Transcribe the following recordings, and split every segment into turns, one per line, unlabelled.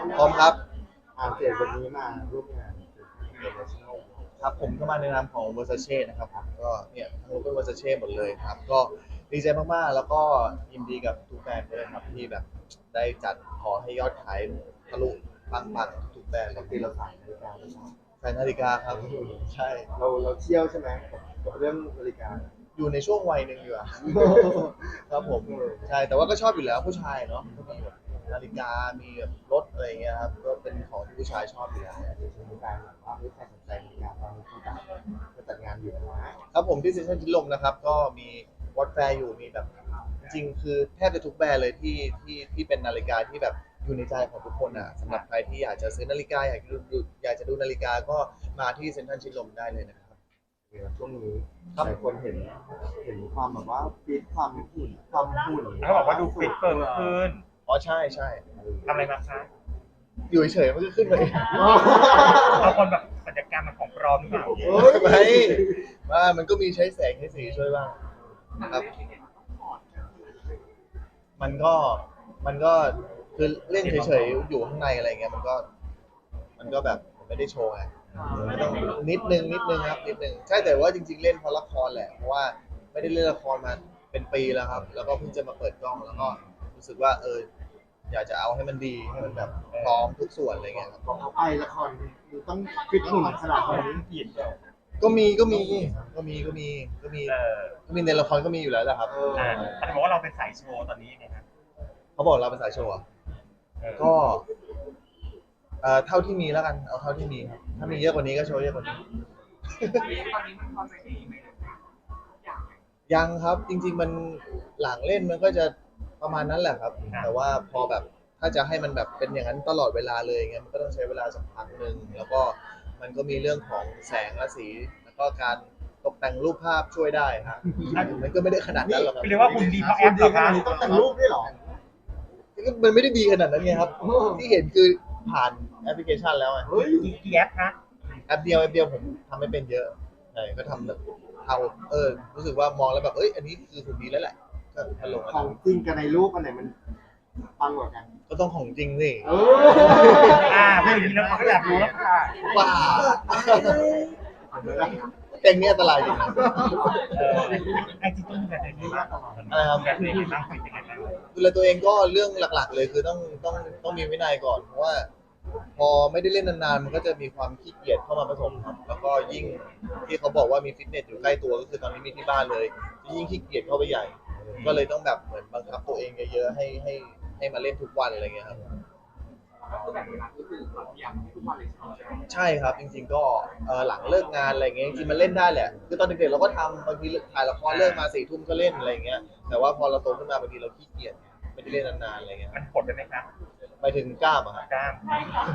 พร้อมครับ
เจ็ดวันนี้มาร่วมงาน International
ครับผมก็มาในนามของ Versace นะครับก็เนี่ยทั้งหมดเป็น Versace หมดเลยครับก็ดีใจมากๆแล้วก็ยินดีกับทุกแบรนด์ด้วยครับที่แบบได้จัดขอให้ยอดขายทะลุปังๆทุกแบรนด์
ปกติเราสายนาฬิกาไม่ใช่
ใส่นาฬิกาครับใช่
เราเที่ยวใช่ไหมกับเรื่องนาฬิกา
อยู่ในช่วงวัยหนึ่งอยู่อะครับผมใช่แต่ว่าก็ชอบอยู่แล้วผู้ชายเนาะก็มีแบบนาฬิกามีแบบรถอะไรอย่างเงี้ยครับก็เป็นของที่ผู้ชายชอบอยู่แล้ว
มีการแบบว่าใครสนใจนาฬิกาตอนนี้เขาจัดงานอยู่นะครับ
ผมที่เซ็นทรัลชิดลมนะครับก็มีวอตแฟร์อยู่มีแบบจริงๆคือแทบจะทุกแบรนด์เลยที่เป็นนาฬิกาที่แบบอยู่ในใจของทุกคนอ่ะสำหรับใครที่อยากจะซื้อนาฬิกาอยากจะดูนาฬิกาก็มาที่เซ็นทรัลชิดลมได้เลยนะครับ
ช่วงนี้หลายคนเห็นความแบบว่าฟิตความหุ่น
เขาบอกว่าดูฟิตเฟิร์มขึ้น
อ๋อใช่ใช่
ทำอะไรมาคะ
อยู่เฉยๆมันก็ขึ้นมาเอง
บางคนแบบศัลยกรรมมันของปลอมหรือเปล่า
ไม่ว่ามันก็มีใช้แสงใช้สีช่วยบ้างนะครับมันก็คือเล่นเฉยๆอยู่ข้างในอะไรเงี้ยมันก็แบบไม่ได้โชว์ไงมันต้องนิดนึงครับนิดนึงใช่แต่ว่าจริงๆเล่นเพราะละครแหละเพราะว่าไม่ได้เล่นละครมาเป็นปีแล้วครับแล้วก็เพิ่งจะมาเปิดกล้องแล้วก็รู้สึกว่าอยากจะเอาให้มันดีให้มันแบบพร้อมทุกส่วนอะไรเงี้ยครับ
ของเขาไปละครคือต้องฟิตหุ่นขนาดนี้
ก็มีในละครก็มีอยู่แล้วแหละครับ
เขาบอกว่าเราเป็นสายโชว์ตอนนี้ไงครับ
เขาบอกเราเป็นสายโชว์ก็เท่าที่มีแล้วกันเอาเท่าที่มีครับถ้ามีเยอะกว่านี้ก็โชว์เยอะกว่านี้ยังครับจริงๆมันหลังเล่นมันก็จะประมาณนั้นแหละครับแต่ว่าพอแบบถ้าจะให้มันแบบเป็นอย่างนั้นตลอดเวลาเลยเงี้ยมันก็ต้องใช้เวลาสักพักหนึ่งแล้วก็มันก็มีเรื่องของแสงและสีแล้วก็การตกแต่งรูปภาพช่วยได้ครับมันก็ไม่ได้ขนาดนั้นหรอกครับ
เรียกว่าคุณดีเพราะแอปเหรอคะ
ต้องแต่งรูปด้วยหรอ
มันไม่ได้ดีขนาดนั้นไงครับที่เห็นคือผ่านแอปพลิเคชันแล้วไง
กี่แอปคะ
แอปเดียวผมทำไม่เป็นเยอะใช่ก็ทำแบบเอารู้สึกว่ามองแล้วแบบอันนี้คือหุ่นดีแล้วแหละก็มาลง
ของจริงกับในรูปอันไหนมันปังกว่ากัน
ก็ต้องของจริงสิ
ไม่อย่างนี้แล้วเขาก็อยากรู้แล้วค่ะ
ว้าแต่งนี้อันตรายจริง
ไอจีต้องดูแลตัวเองมาก
อะไรครับ
ดูแลตัวเองมากเป็นยังไงบ้าง
ดูแลตัวเองก็เรื่องหลักๆเลยคือต้องมีวินัยก่อนเพราะว่าพอไม่ได้เล่นนานๆมันก็จะมีความขี้เกียจเข้ามาผสมครับแล้วก็ยิ่งที่เขาบอกว่ามีฟิตเนสอยู่ใกล้ตัวก็คือตอนนี้มีที่บ้านเลยยิ่งขี้เกียจเข้าไปใหญ่ก็เลยต้องแบบเหมือนบังคับตัวเองเยอะๆให้มาเล่นทุกวันอะไรเงี้ยครับใช่ครับจริงๆก็หลังเลิกงานอะไรเงี้ยจริงๆมันเล่นได้แหละคือตอนเด็กๆเราก็ทำบางทีถ่ายละครเลิกมา4 ทุ่มก็เล่นอะไรเงี้ยแต่ว่าพอเราโตขึ้นมาบางทีเราขี้เกียจไม่ได้เล่นนานๆอะไรเงี้ย
มันผลไปไหมครับ
ไปถึงกล้ามอะครับ
กล้าม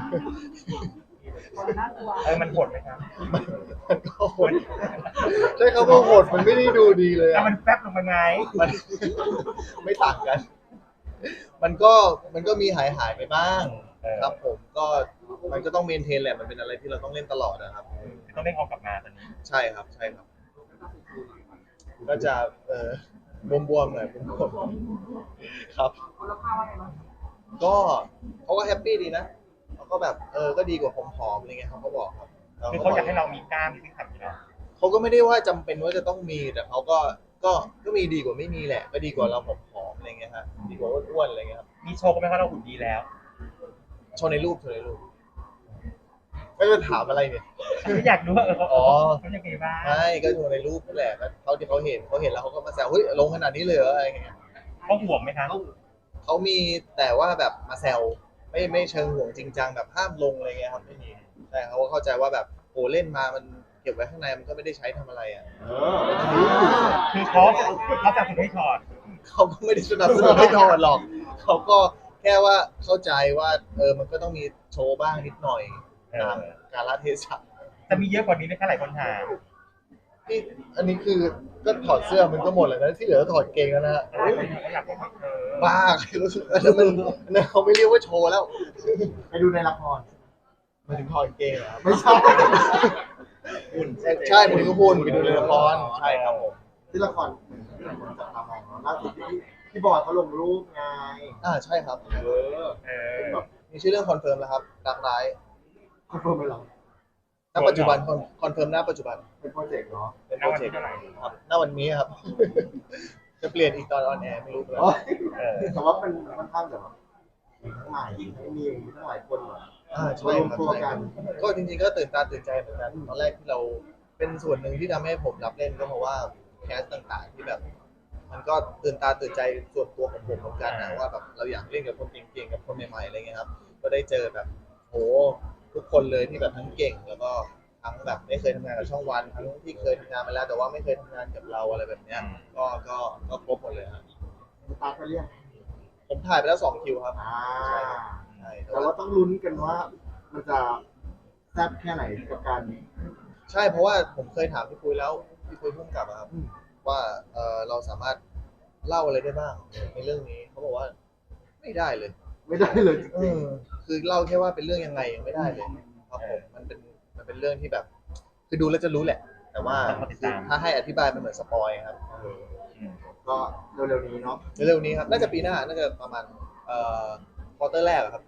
มันผลไหมครับ
มันก็โหดใช่เขาว่าโหดมันไม่ได้ดูดีเลย
มันแฟบลงมาไง
มันไม่ต่างกันมันก็มีหายไปบ้างครับผมก็มันก็ต้องเมนเทนแหละมันเป็นอะไรที่เราต้องเล่นตลอดนะครับ
ต้องเล่นออกกลับมาตอนนี้
ใช่ครับก็จะบวมๆหน่อยบวมๆครับก็เขาก็แฮปปี้ดีนะเขาก็แบบก็ดีกว่าผอมๆอะไรเงี้ยเขาก็บอกครับ
คือเขาอยากให้เรามีกล้ามมีซิกแพคอยู่แล้ว
เขาก็ไม่ได้ว่าจำเป็นว่าจะต้องมีแต่เขาก็มีดีกว่าไม่มีแหละก็ดีกว่าเราผอมๆอะไรเงี้ยฮะดีกว่าอ้วนๆอะไรเงี้ยครับ
มีโชว์ก็ไม่ว่าเราหุ่นดีแล้ว
โชว์ในรูปไม่ไปถามอะไรเนี่ย
ไม่อยากรู้ว่าเขาจะไงบ้าง
ใช่ก็โชว์ในรูปนั่นแหละเขาที่เขาเห็นแล้วเขาก็มาแซวเฮ้ยลงขนาดนี้เลยเหรออะไรเงี้ย
เขาห่วงไหมครับ
เขามีแต่ว่าแบบมาแซวไม่เชิงห่วงจริงจังแบบห้ามลงอะไรเงี้ยครับไม่มีแต่เขาก็เข้าใจว่าแบบโอ้เล่นมามันเก็บไว้ข้างในมันก็ไม่ได้ใช้ทำอะไรอ่ะ
คือเขาจะถึงให้ถอด
เขาก็ไม่ได้สนับสนุนให้ถอดหรอกเขาก็แค่ว่าเข้าใจว่ามันก็ต้องมีโชว์บ้างนิดหน่อยตามกาลเทศะ
จะมีเยอะกว่านี้ไหมคะหลายคนถาม
ที่อันนี้คือก็ถอดเสื้อมันก็หมดแล้วนะที่เหลือถอดเกงแล้วนะฮะบ้าใครรู้สึกอันนั้นเขาไม่เรียกว่าโชว์แล้ว
ไปดูในละคร
มาถึงถอดเกงเหรอ
ไม่ใช่
หุ่นใช่ผมก็หุ่นไปดูในละครใช่ครับผม
ที่ละครจับตามองล่าสุดที่บอยเขาลงรูปไง
ใช่ครับ
แบบมี
มีชื่อเรื่องคอนเฟิร์มแล้วครับรักร้าย
คอนเฟิร์มไปหรอ
ณปัจจุบันคอนเฟิร์มณปัจจุบัน
เป็นโปรเจกต์เนาะ
เป็นโปรเจกต์ครับณวันนี้ครับ จะเปลี่ยนอีกตอนออนแอร์ไม่รู้เหมือนกัน
แต่ว่ามันค่อนข้างแบบทั้งใหม่มีทั้งหลายคนแบบ
ใช่ครับ
รวมตัวกัน
ก็จริงๆก็ตื่นตาตื่นใจเหมือนกันตอนแรกที่เราเป็นส่วนหนึ่งที่ทำให้ผมรับเล่นก็เพราะว่าแคสต่างๆที่แบบ มันก็ตื่นตาตื่นใจส่วนตัวของผมเหมือนกันนะว่าแบบเราอยากเล่นกับคนเก่งๆกับคนใหม่ๆอะไรเงี้ยครับก็ได้เจอแบบโหทุกคนเลยที่แบบทั้งเก่งแล้วก็ทั้งแบบไม่เคยทำงานกับช่องวันทั้งที่เคยทำงานมาแล้วแต่ว่าไม่เคยทำงานกับเราอะไรแบบเนี้ยก็ครบหมดเลยครับ
สตาร์ทไปเรียก
ผมถ่ายไปแล้ว2 คิวครับ
อ่า
ใช่แต่
แต่
ว่า
ว่าต้องลุ้นกันว่า มันจะแซ่บแค่ไหนกับการ
ใช่เพราะว่าผมเคยถามพี่ปุ้ยแล้วพี่ปุ้ยพุ่งกลับอะครับ
อืม
ว่าเราสามารถเล่าอะไรได้บ้างในเรื่องนี้เขาบอกว่าไม่ได้เลย
ไม่ได้เลยจ
เอ
ริง
อคือเล่าแค่ว่าเป็นเรื่องยังไงยังไม่ได้เลยครับผมมันเป็นเรื่องที่แบบ คือดูแล้วจะรู้แหละ แต่ว่าคือถ้าให้อธิบายมันเหมือนสปอยครับ
ๆก็เร็วๆนี้เนาะ
เร็วๆนี้ครับน่าจะปีหน้าน่าจะประมาณควอเตอร์แรกอะครับ